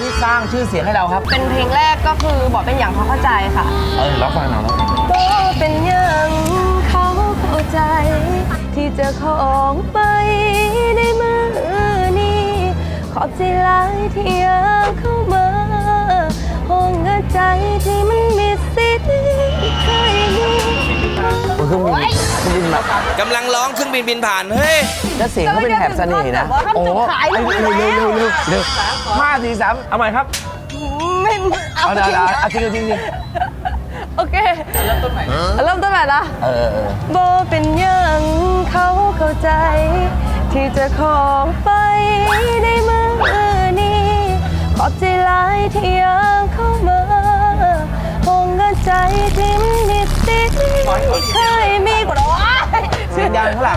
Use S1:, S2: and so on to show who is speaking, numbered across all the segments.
S1: ที่สร้างชื่อเสียงให้เราครับ
S2: เป็นเพลงแรกก็คือบอกเป็นอย่างเขาเข้าใจค่ะ
S1: ร้องฟังหน่อยร้องฟัง
S2: บอกเป็นอย่างเขาเข้าใจ ที่จะของไปในมือนี้ขอบใจหลายที่ยังเข้ามาห้องเงินใจที่มันมีสิทธิ์เคยมี
S1: เครื่องบินแบบ
S3: กำลังร้องเครื่องบินบินผ่าน เฮ้ย
S1: แล้วเสียงเขาเป็นแถบเสน่ห์นะ
S2: โอ้เร็ว
S1: เร็ว5 4 3เอาใหม่ครับ
S2: ไม่เอา
S1: เอาจริง
S2: โอเคเริ่มต้นใหม่ละ โบเป็นอย่างเขาเข้าใจ ที่จะของไปในมือนี้ขอบใจหลายที่ยังเข้ามาห้องเงินใจที่มีสิทธิ์เคยมีกว่าร้อย
S1: เสียงดังข้างหลัง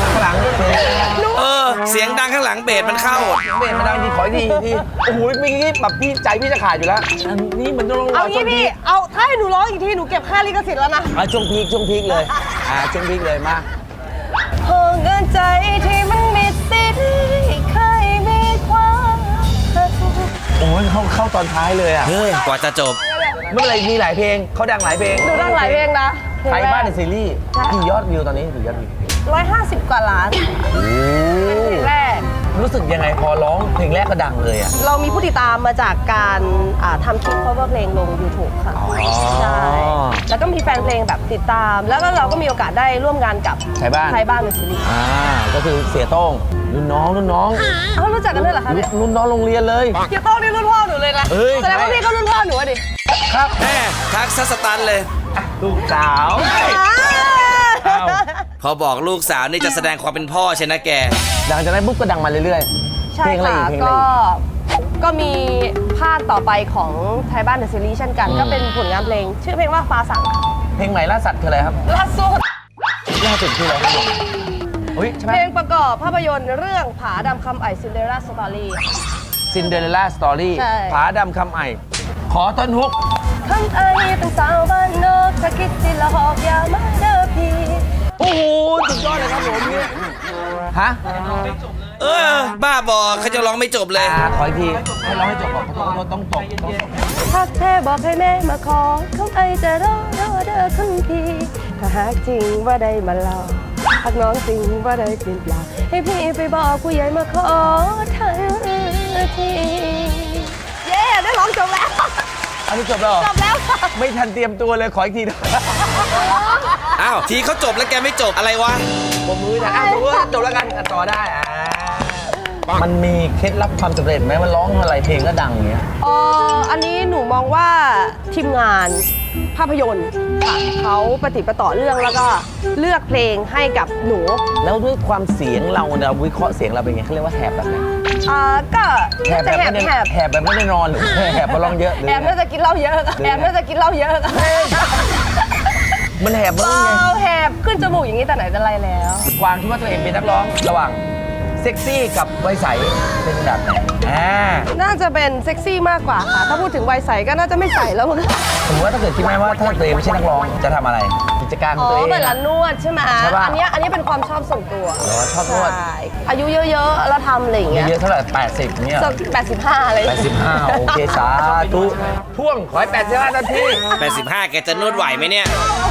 S3: เสียงดังข้างหลังเบสมันเข้า
S1: เบสมันดังดีขอดีทีโอ้โหเมื่อกี้แบบพี่ใจพี่จะขาดอยู่แล้วอันนี้มันต้องร
S2: เอา
S1: อช่
S2: งี้
S1: วงพี
S2: พี่
S1: ค
S2: เอาถ้าให้หนูร้องอีกทีหนูเก็บค่าลิขสิทธิ์แล้วนะ
S1: ช่วงพีคเลยช่วงพีคเลยมา
S2: ห้องเงินใจที่มันมีสิทธิ์เคยมีความสุข
S1: โอ้ยเข้าตอนท้ายเลยอ่ะ
S3: เฮ้ย กว่าจะจบ
S1: ไม่เป็นไรมีหลายเพลงเขาดังหลายเพลง
S2: หนูดังหลายเพลงนะ
S1: ไทยบ้านในซีรีส์กี่ยอดวิวตอนนี้กี่ยอดวิว
S2: 150 กว่าล้านเพลงแรก
S1: รู้สึกยังไงพอร้องเพลงแรกก็ดังเลยอ่ะ
S2: เรามีผู้ติดตามมาจากการทำคลิป cover เพลงลง YouTube ค่ะ ใช่ แล้วก็มีแฟนเพลงแบบติดตาม แล้วก็เราก็มีโอกาสได้ร่วมงานกับ
S1: ไทยบ้าน
S2: ไทยบ้านในซีรีส์
S1: ก็คือเสียโต้งรุ่นน้อง
S2: เอ้ารู้จักกันด้วยเหรอคะเนี่ย
S1: รุ่นน้องโรงเรียนเลย
S2: เกียร์โต้งนี่รุ่นพ่อหนูเลยนะ
S1: เอ้ย
S2: แสดงว่าพี่ก็รุ่นพ่อหนูอะดิ
S1: ครับ
S3: แม่ทักซัสตันเลย
S1: ลูกสาว อ้าว
S3: พอบอกลูกสาวนี่จะแสดงความเป็นพ่อใช่นะแก
S1: หลังจากนั้นปุ๊บก็ดังมาเรื่อยๆ
S2: ใช่
S1: เพลงอะไร
S2: ค่ะ
S1: อีกเพลงอะไร
S2: ก็
S1: อีก
S2: ก็มีภาคต่อไปของไทยบ้านในซีรีส์เช่นกัน ก็เป็นผลงานเพลง ชื่อเพลงว่าฟ้าสั่ง
S1: เพลงใหม่ล่าสัตว์คืออะไรครับ
S2: ล่าสุด
S1: ล่าสุดคืออะไรครับอุ้ยใช่ไหม
S2: เพลงประกอบภาพยนตร์เรื่องผาดำคำไอซินเดอเรลล่าสตอรี่
S1: ซินเดอเรลล่าสตอรี่
S2: ใช่
S1: ผาดำคำไอขอต้นฮุก
S2: คำไอเป็นสาวบ้านนอกถ้าคิดสิละหอกอย่ามาเด้อพี่
S1: โอ้โหสุดยอดเลยครับผมเนี่ยฮะ
S3: บ้าบอเขาจะร้องไม่จบเลย
S1: ขออีกทีให้ร้องให้จบก่อนขอโทษต้องตก
S2: ถ้าแท้บอกให้แม่มาขอคำไอจะรอเด้อคำพี่ถ้าหากจริงว่าได้มาเล่าหากน้องจริงว่าได้เปลี่ยนเปล่าให้พี่ไปบอกผู้ใหญ่มาขอทันทีเย้ได้ร้องจบแล้ว
S1: อันนี้จบแล้วเหรอ
S2: จบแล้วค่ะ
S1: ไม่ทันเตรียมตัวเลยขออีกทีนะ
S3: อ้าว ทีเขาจบแล้วแกไม่จบอะไรวะ
S1: ผมมือนะผมว่าจบแล้วกันต่อได้มันมีเคล็ดลับความสำเร็จไหมมันร้องอะไรเพลงก็ดังอย่างเงี้ย
S2: อันนี้หนูมองว่าทีมงานภาพยนตร์ค่ะเขาปฏิดประต่อเรื่องแล้วก็เลือกเพลงให้กับหนู
S1: แล้วด้วยความเสียงเราเนี่ยวิเคราะห์เสียงเราเป็นไงเขาเรียกว่าแหบแบบไหน
S2: ก็
S1: แหบแบบไม่ได้แหบแบบไม่ได้นอนหรือแหบเพราะร้องเยอะหรือ
S2: แอบน่าจะกินเหล้าเยอะค่ะแอบน่าจะกินเหล้าเยอะค่ะ
S1: มันแหบบ้างไง
S2: แหบขึ้นจมูกอย่างนี้แต่ไหนแต่ไรแล้ว
S1: กวางคิดว่าตัวเองเป็นนักร้องระหว่างเซ็กซี่กับวัยใสเป็นแบบไหน
S2: น่าจะเป็นเซ็กซี่มากกว่าค่ะ ถ้าพูดถึงวัยใสก็น่าจะไม่ใสแล้วมั้ง
S1: สมมติว่าถ้าเกิดคิดไหมว่าถ้าตัวเองไม่ใช่นักร้องจะทำอะไรกิจการของตัวเอง
S2: เหมือนร้านนวดใช่ไหม
S1: ใช่ปะ
S2: อันนี้เป็นความชอบส่วนตัว
S1: เหรอชอบนวด
S2: ใช่อายุเยอะๆแล้วทำอะไรอย่างเงี้ย
S1: เยอะเท่าไหร่80เนี่ย
S2: สัก85อะไรอย่างเงี้ย
S1: 85โอเคสาธุพ่วงขอให้85นาที
S3: 85 แกจะนวดไหวไหมเนี่ย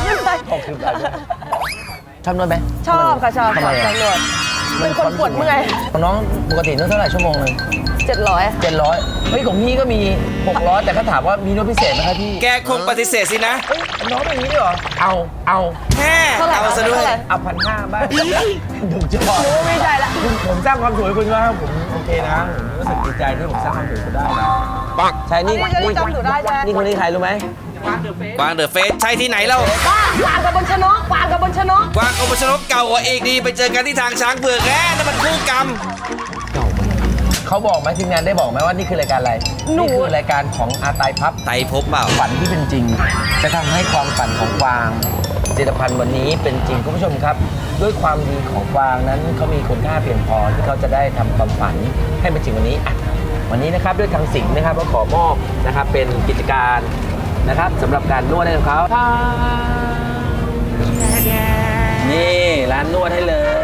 S1: 60บาทชอบนวดไหม
S2: ชอบค่ะชอบ
S1: ทำไม
S2: ชอบนวดเป็นคนปวดเมื่อย
S1: ของน้องปกตินวดเท่าไหร่ชั่วโมงนึง
S2: 700ค่ะ
S1: 700เฮ้ยของพี่ก็มี600แต่เขาถามว่ามีนวดพิเศษไหมครับพี่
S3: แกคงปฏิเสธสินะ
S1: น้องเป็นอย่างนี้ด้วยเหรอเอา
S3: แม่
S2: เท่าไหร่
S3: เอาซะด้วย
S2: เท่าไหร่
S1: เอา1,500บ้างดูจอ
S2: หนูไม่ใช่ละ
S1: ผมสร้างความสวยคุณว่าผมโอเคนะผมรู้สึกดีใจที่ผมสร้างความสวยคุณได้นะใช่นี่
S2: อันนี้จำหนูได้ใช่ไหม
S1: นี่คนนี้ใครรู้ไหม
S3: กวางเดอะเฟสใช่ที่ไหนเล่า
S2: วางกับบนชนกวางกับบนชนก
S3: กวางโอปชนกเก่ากว่าเอกดีไปเจอกันที่ทางช้างเผือกแน่นั่นมันคู่กรรม
S1: เขาบอกไหมทีมงานได้บอกไหมว่านี่คือรายการอะไร
S2: หนู
S1: นี่คือรายการของอาตายพับ
S3: ไตพบเปล่า
S1: ฝันที่เป็นจริง จะทำให้ความฝันของกวางผลิตภัณฑ์วันนี้เป็นจริงคุณผู้ชมครับ ด้วยความดีของกวางนั้นเขามีคุณค่าเพียงพอที่เขาจะได้ทำความฝันให้เป็นจริงวันนี้อ่ะวันนี้นะครับด้วยทางสิงห์นะครับก็ขอมอบนะครับเป็นกิจการนะครับสำหรับการนวดให้กับเขานี่ร้านนวดให้เลย